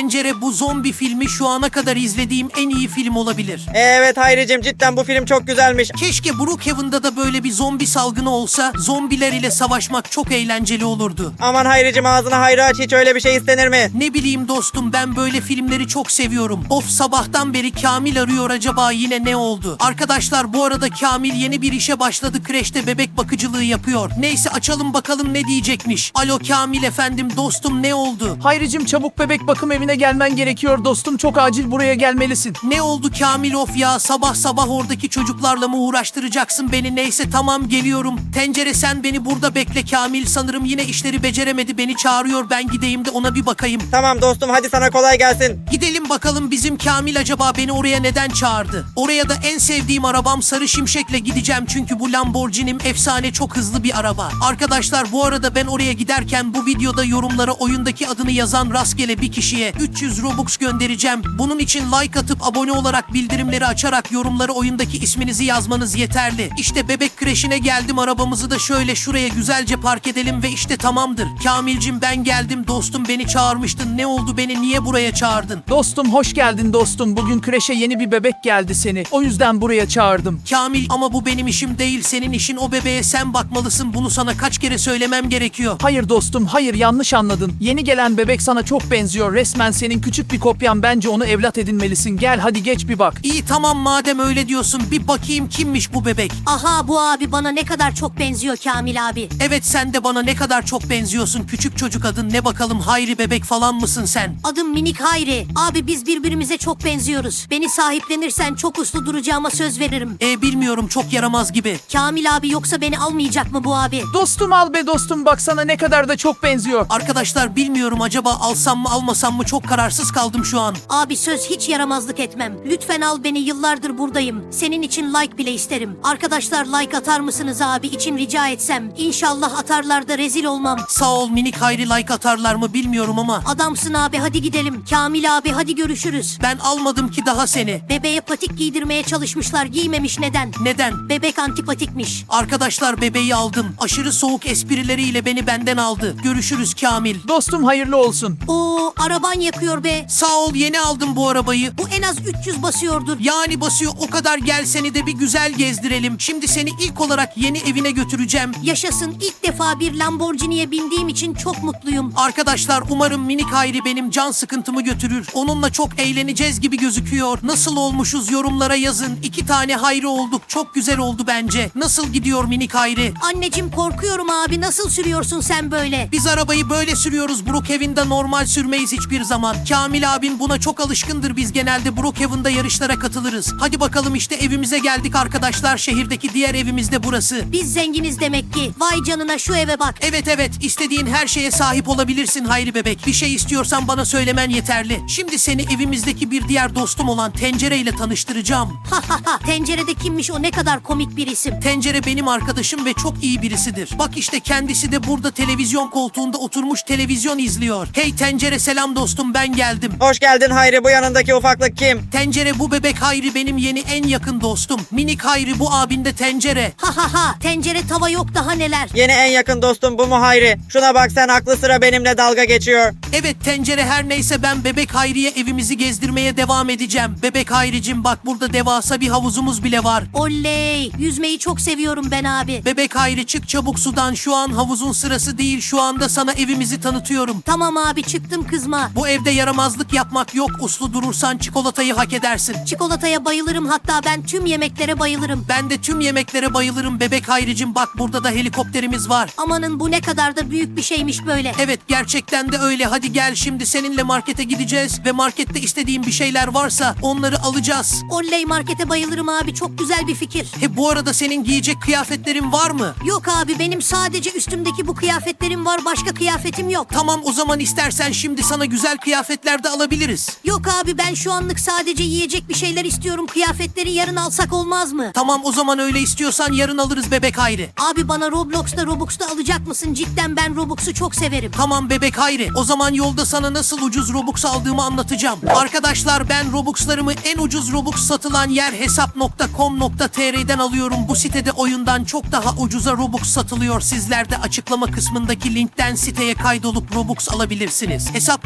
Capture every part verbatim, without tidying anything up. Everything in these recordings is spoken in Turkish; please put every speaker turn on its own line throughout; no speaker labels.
Tencere, bu zombi filmi şu ana kadar izlediğim en iyi film olabilir.
Evet Hayricim, cidden bu film çok güzelmiş.
Keşke Brookhaven'da da böyle bir zombi salgını olsa, zombiler ile savaşmak çok eğlenceli olurdu.
Aman Hayricim, ağzına hayra aç, hiç öyle bir şey istenir mi?
Ne bileyim dostum, ben böyle filmleri çok seviyorum. Of, sabahtan beri Kamil arıyor, acaba yine ne oldu? Arkadaşlar, bu arada Kamil yeni bir işe başladı, kreşte bebek bakıcılığı yapıyor. Neyse, açalım bakalım ne diyecekmiş. Alo Kamil efendim, dostum ne oldu?
Hayricim, çabuk bebek bakım evine gelmen gerekiyor dostum, çok acil buraya gelmelisin.
Ne oldu Kamil, of ya, sabah sabah oradaki çocuklarla mı uğraştıracaksın beni? Neyse tamam, geliyorum. Tencere, sen beni burada bekle, Kamil sanırım yine işleri beceremedi, beni çağırıyor, ben gideyim de ona bir bakayım.
Tamam dostum, hadi sana kolay gelsin.
Gidelim bakalım, bizim Kamil acaba beni oraya neden çağırdı? Oraya da en sevdiğim arabam Sarı Şimşek'le gideceğim, çünkü bu Lamborghini'm efsane, çok hızlı bir araba. Arkadaşlar, bu arada ben oraya giderken bu videoda yorumlara oyundaki adını yazan rastgele bir kişiye üç yüz Robux göndereceğim. Bunun için like atıp abone olarak bildirimleri açarak yorumlara oyundaki isminizi yazmanız yeterli. İşte bebek kreşine geldim, arabamızı da şöyle şuraya güzelce park edelim ve işte tamamdır. Kamilcim, ben geldim dostum, beni çağırmıştın, ne oldu, beni niye buraya çağırdın?
Dostum hoş geldin dostum, bugün kreşe yeni bir bebek geldi seni, o yüzden buraya çağırdım.
Kamil, ama bu benim işim değil, senin işin, o bebeğe sen bakmalısın, bunu sana kaç kere söylemem gerekiyor.
Hayır dostum, hayır, yanlış anladın. Yeni gelen bebek sana çok benziyor, resmen senin küçük bir kopyan, bence onu evlat edinmelisin. Gel hadi geç bir bak.
İyi tamam, madem öyle diyorsun, bir bakayım kimmiş bu bebek.
Aha, bu abi bana ne kadar çok benziyor Kamil abi.
Evet, sen de bana ne kadar çok benziyorsun, küçük çocuk, adın ne bakalım? Hayri bebek falan mısın sen?
Adım Minik Hayri. Abi biz birbirimize çok benziyoruz. Beni sahiplenirsen çok uslu duracağıma söz veririm.
E bilmiyorum, çok yaramaz gibi.
Kamil abi yoksa beni almayacak mı bu abi?
Dostum al be dostum, baksana ne kadar da çok benziyor.
Arkadaşlar, bilmiyorum, acaba alsam mı almasam mı, çok kararsız kaldım şu an.
Abi söz, hiç yaramazlık etmem. Lütfen al beni, yıllardır buradayım. Senin için like bile isterim. Arkadaşlar, like atar mısınız abi için rica etsem? İnşallah atarlar da rezil olmam.
Sağ ol Minik Hayri, like atarlar mı bilmiyorum ama.
Adamsın abi, hadi gidelim. Kamil abi hadi görüşürüz.
Ben almadım ki daha seni.
Bebeğe patik giydirmeye çalışmışlar, giymemiş, neden?
Neden?
Bebek antipatikmiş.
Arkadaşlar, bebeği aldım. Aşırı soğuk esprileriyle beni benden aldı. Görüşürüz Kamil.
Dostum hayırlı olsun.
Oo, araban yakıyor be.
Sağ ol, yeni aldım bu arabayı.
Bu en az üç yüz basıyordur.
Yani basıyor, o kadar, gel seni de bir güzel gezdirelim. Şimdi seni ilk olarak yeni evine götüreceğim.
Yaşasın, ilk defa bir Lamborghini'ye bindiğim için çok mutluyum.
Arkadaşlar, umarım Minik Hayri benim can sıkıntımı götürür. Onunla çok eğleneceğiz gibi gözüküyor. Nasıl olmuşuz, yorumlara yazın. İki tane Hayri olduk, çok güzel oldu bence. Nasıl gidiyor Minik Hayri?
Anneciğim, korkuyorum abi, nasıl sürüyorsun sen böyle?
Biz arabayı böyle sürüyoruz, Brookhaven'da normal sürmeyiz hiçbir zaman. Kamil abin buna çok alışkındır, biz genelde Brookhaven'da yarışlara katılırız. Hadi bakalım, işte evimize geldik arkadaşlar, şehirdeki diğer evimiz de burası.
Biz zenginiz demek ki. Vay canına, şu eve bak.
Evet evet, istediğin her şeye sahip olabilirsin Hayri bebek. Bir şey istiyorsan bana söylemen yeterli. Şimdi seni evimizdeki bir diğer dostum olan Tencere ile tanıştıracağım.
Ha ha ha, tencerede kimmiş o, ne kadar komik bir isim.
Tencere benim arkadaşım ve çok iyi birisidir. Bak işte, kendisi de burada televizyon koltuğunda oturmuş televizyon izliyor. Hey Tencere, selam dostum, ben geldim.
Hoş geldin Hayri, bu yanındaki ufaklık kim?
Tencere, bu bebek Hayri benim yeni en yakın dostum. Minik Hayri, bu abin de Tencere.
Ha ha ha, tencere tava yok, daha neler.
Yeni en yakın dostum bu mu Hayri? Şuna bak sen, aklı sıra benimle dalga geçiyor.
Evet Tencere, her neyse, ben bebek Hayri'ye evimizi gezdirmeye devam edeceğim. Bebek Hayricim, bak burada devasa bir havuzumuz bile var.
Oley, yüzmeyi çok seviyorum ben abi.
Bebek Hayri, çık çabuk sudan, şu an havuzun sırası değil, şu anda sana evimizi tanıtıyorum.
Tamam abi, çıktım, kızma.
Bu evde yaramazlık yapmak yok, uslu durursan çikolatayı hak edersin.
Çikolataya bayılırım, hatta ben tüm yemeklere bayılırım.
Ben de tüm yemeklere bayılırım bebek Hayricim, bak burada da helikopterimiz var.
Amanın, bu ne kadar da büyük bir şeymiş böyle.
Evet, gerçekten de öyle. Hadi gel, şimdi seninle markete gideceğiz ve markette istediğin bir şeyler varsa onları alacağız.
Oley, markete bayılırım abi, çok güzel bir fikir.
He, bu arada senin giyecek kıyafetlerin var mı?
Yok abi, benim sadece üstümdeki bu kıyafetlerim var, başka kıyafetim yok.
Tamam, o zaman istersen şimdi sana güzel kıyafetler de alabiliriz.
Yok abi, ben şu anlık sadece yiyecek bir şeyler istiyorum, kıyafetleri yarın alsak olmaz mı?
Tamam, o zaman öyle istiyorsan yarın alırız bebek Hayri.
Abi bana Roblox'ta Robux'ta alacak mısın? Cidden ben Robux'u çok severim.
Tamam bebek Hayri, o zaman yolda sana nasıl ucuz Robux aldığımı anlatacağım. Arkadaşlar, ben Robux'larımı en ucuz Robux satılan yer hesap nokta com nokta tr'den alıyorum. Bu sitede oyundan çok daha ucuza Robux satılıyor. Sizler de açıklama kısmındaki linkten siteye kaydolup Robux alabilirsiniz. hesap nokta com nokta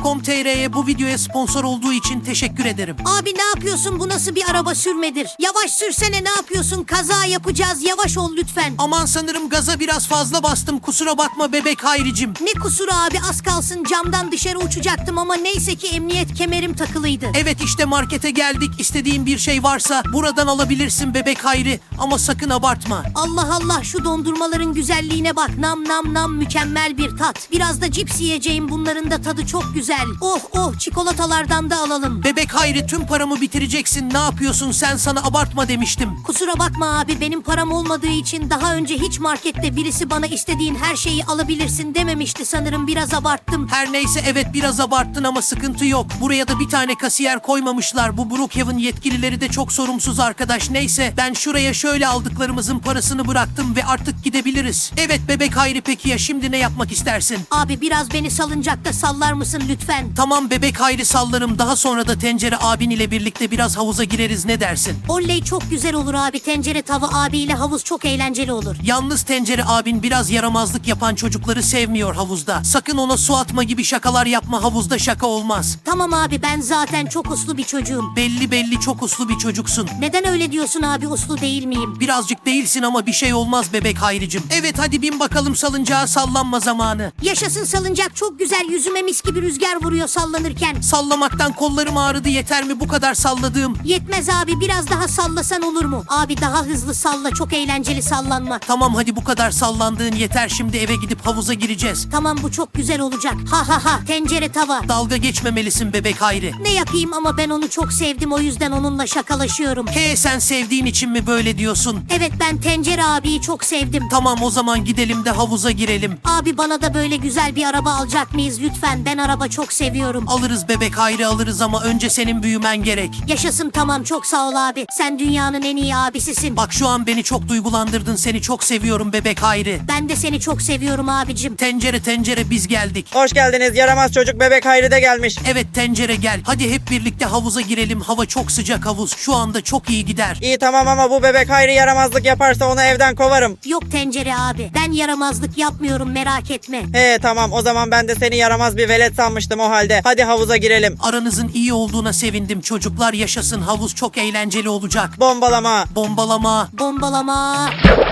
T R'ye bu videoya sponsor olduğu için teşekkür ederim.
Abi ne yapıyorsun? Bu nasıl bir araba sürmedir? Yavaş sürsene, ne yapıyorsun? Kaza yapacağız. Yavaş ol lütfen.
Aman sanırım gaza biraz fazla bastım. Kusura bakma bebek Hayricim.
Ne kusuru abi, az kalsın camdan dışarı uçacaktım ama neyse ki emniyet kemerim takılıydı.
Evet işte markete geldik. İstediğin bir şey varsa buradan alabilirsin bebek Hayri. Ama sakın abartma.
Allah Allah, şu dondurmaların güzelliğine bak. Nam nam nam, mükemmel bir tat. Biraz da cips yiyeceğim, bunların da tadı çok güzel. Oh oh, çikolatalardan da alalım.
Bebek Hayri tüm paramı bitireceksin. Ne yapıyorsun sen, sana abartma demiştim.
Kusura bakma abi, benim param olmadığı için daha önce hiç markette birisi bana istediğin her şeyi alabilirsin dememişti, sanırım biraz abarttım.
Her neyse, evet biraz abarttın ama sıkıntı yok. Buraya da bir tane kasiyer koymamışlar. Bu Brookhaven yetkilileri de çok sorumsuz arkadaş. Neyse ben şuraya şöyle aldıklarımızın parasını bıraktım ve artık gidebiliriz. Evet bebek Hayri, peki ya şimdi ne yapmak istersin?
Abi biraz beni salıncakta sallar mısın lütfen?
Tamam bebek Hayri, sallarım. Daha sonra da Tencere abin ile birlikte biraz havuza gireriz, ne dersin?
Oley, çok güzel olur abi. Tencere tava abiyle havuz çok eğlenceli olur.
Yalnız Tencere abin biraz yaramazlık yapan çocukları sevmiyor havuzda. Sakın ona su atma gibi şakalar yapma, havuzda şaka olmaz.
Tamam abi, ben zaten çok uslu bir çocuğum.
Belli belli çok uslu bir çocuksun.
Neden öyle diyorsun abi, uslu değil miyim?
Birazcık değilsin ama bir şey olmaz bebek Hayricim. Evet hadi bin bakalım salıncağa, sallanma zamanı.
Yaşasın salıncak, çok güzel, yüzüme mis gibi rüzgar vuruyor sallanırken.
Sallamaktan kollarım ağrıdı, yeter mi bu kadar salladığım?
Yetmez abi, biraz daha sallasan olur mu? Abi daha hızlı salla, çok eğlenceli sallanmak.
Tamam hadi bu kadar sallandığın yeter, şimdi eve gidip havuza gireceğiz.
Tamam, bu çok güzel olacak. Ha ha ha, tencere tava.
Dalga geçmemelisin bebek Hayri.
Ne yapayım ama ben onu çok sevdim, o yüzden onunla şakalaşıyorum.
He, sen sevdiğin için mi böyle diyorsun?
Evet, ben Tencere abiyi çok sevdim.
Tamam o zaman gidelim de havuza girelim.
Abi bana da böyle güzel bir araba alacak mıyız lütfen? Ben araba çok seviyorum.
Alırız bebek Hayri, alırız ama önce senin büyümen gerek.
Yaşasın, tamam, çok sağ ol abi. Sen dünyanın en iyi abisisin.
Bak şu an beni çok duygulandırdın, seni çok seviyorum bebek Hayri.
Ben de seni çok seviyorum abicim.
Tencere tencere, biz geldik.
Hoş geldiniz, yaramaz çocuk bebek Hayri de gelmiş.
Evet Tencere gel. Hadi hep birlikte havuza girelim. Hava çok sıcak, havuz şu anda çok iyi gider.
İyi tamam ama bu bebek Hayri yaramazlık yaparsa onu evden kovarım.
Yok Tencere abi, ben yaramazlık yapmıyorum, merak etme.
He tamam, o zaman ben de seni yaramaz bir velet sanmıştım o halde. Hadi havuza girelim.
Aranızın iyi olduğuna sevindim çocuklar, yaşasın, havuz çok eğlenceli olacak.
Bombalama.
Bombalama.
Bombalama.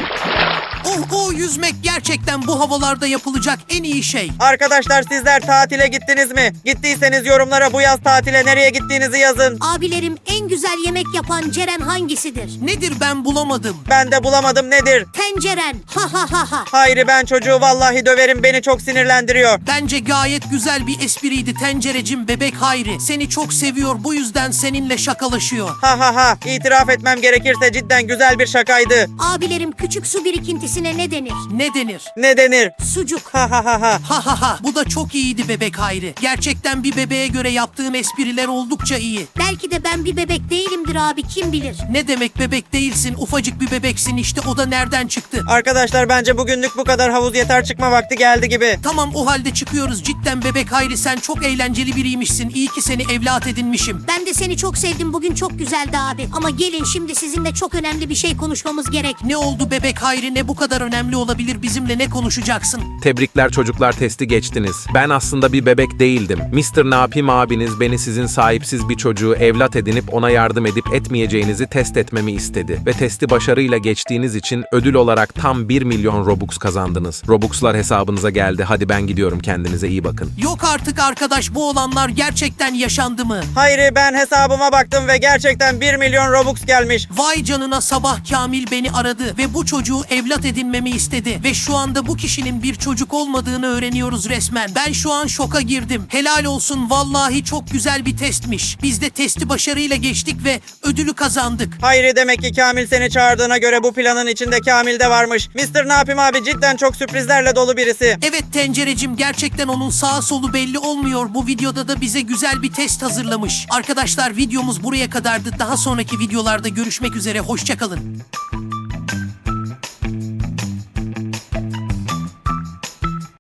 Oh oh, yüzmek gerçekten bu havalarda yapılacak en iyi şey.
Arkadaşlar sizler tatile gittiniz mi? Gittiyseniz yorumlara bu yaz tatile nereye gittiğinizi yazın.
Abilerim, en güzel yemek yapan Ceren hangisidir?
Nedir, ben bulamadım.
Ben de bulamadım, nedir?
Tenceren. Ha ha ha ha.
Hayri, ben çocuğu vallahi döverim, beni çok sinirlendiriyor.
Bence gayet güzel bir espriydi Tencerecim, bebek Hayri. Seni çok seviyor, bu yüzden seninle şakalaşıyor.
Ha ha ha, itiraf etmem gerekirse cidden güzel bir şakaydı.
Abilerim, küçük su birikintisine ne denir?
Ne denir?
Ne denir?
Sucuk.
Ha ha ha ha.
Ha ha ha, bu da çok iyiydi bebek Hayri. Gerçekten bir bebeğe göre yaptığın espriler oldukça iyi.
Belki de ben bir bebek değilimdir abi, kim bilir?
Ne demek bebek değilsin, ufacık bir bebeksin işte, o da nereden çıktı?
Arkadaşlar bence bugünlük bu kadar, havuz yeter, çıkma vakti geldi gibi.
Tamam o halde çıkıyoruz. Cidden bebek Hayri, sen çok eğlenceli biriymişsin. İyi ki seni evlat edinmişim.
Ben de seni çok sevdim, bugün çok güzeldi abi. Ama gelin, şimdi sizinle çok önemli bir şey konuşmamız gerek.
Ne oldu bebek Hayri, ne bu kadar önemli olabilir, bizimle ne konuşacaksın?
Tebrikler çocuklar, testi geçtiniz. Ben aslında bir bebek değildim. mister Napim abiniz beni sizin sahipsiz bir çocuğu evlat edinip ona yardım edip etmeyeceğinizi test etmemi istedi. Ve testi başarıyla geçtiğiniz için ödül olarak tam bir milyon Robux kazandınız. Robux'lar hesabınıza geldi. Hadi ben gidiyorum, kendinize iyi bakın.
Yok artık arkadaş, bu olanlar gerçekten yaşandı mı?
Hayri, ben hesabıma baktım ve gerçekten bir milyon Robux gelmiş.
Vay canına, sabah Kamil beni aradı ve bu çocuğu evlat edinmemi istedi. Ve şu anda bu kişinin bir çocuk olmadığını öğreniyoruz resmen. Ben şu an şoka girdim. Helal olsun, vallahi çok güzel bir testmiş. Biz de testi başarıyla geçtik ve ödülü kazandık.
Hayri, demek ki Kamil seni çağırdığına göre bu planın içinde Kamil de varmış. mister Napim abi cidden çok sürprizlerle dolu birisi.
Evet Tencerecim, gerçekten onun sağı solu belli olmuyor. Bu videoda da bize güzel bir test hazırlamış. Arkadaşlar videomuz buraya kadardı. Daha sonraki videolarda görüşmek üzere. Hoşça kalın.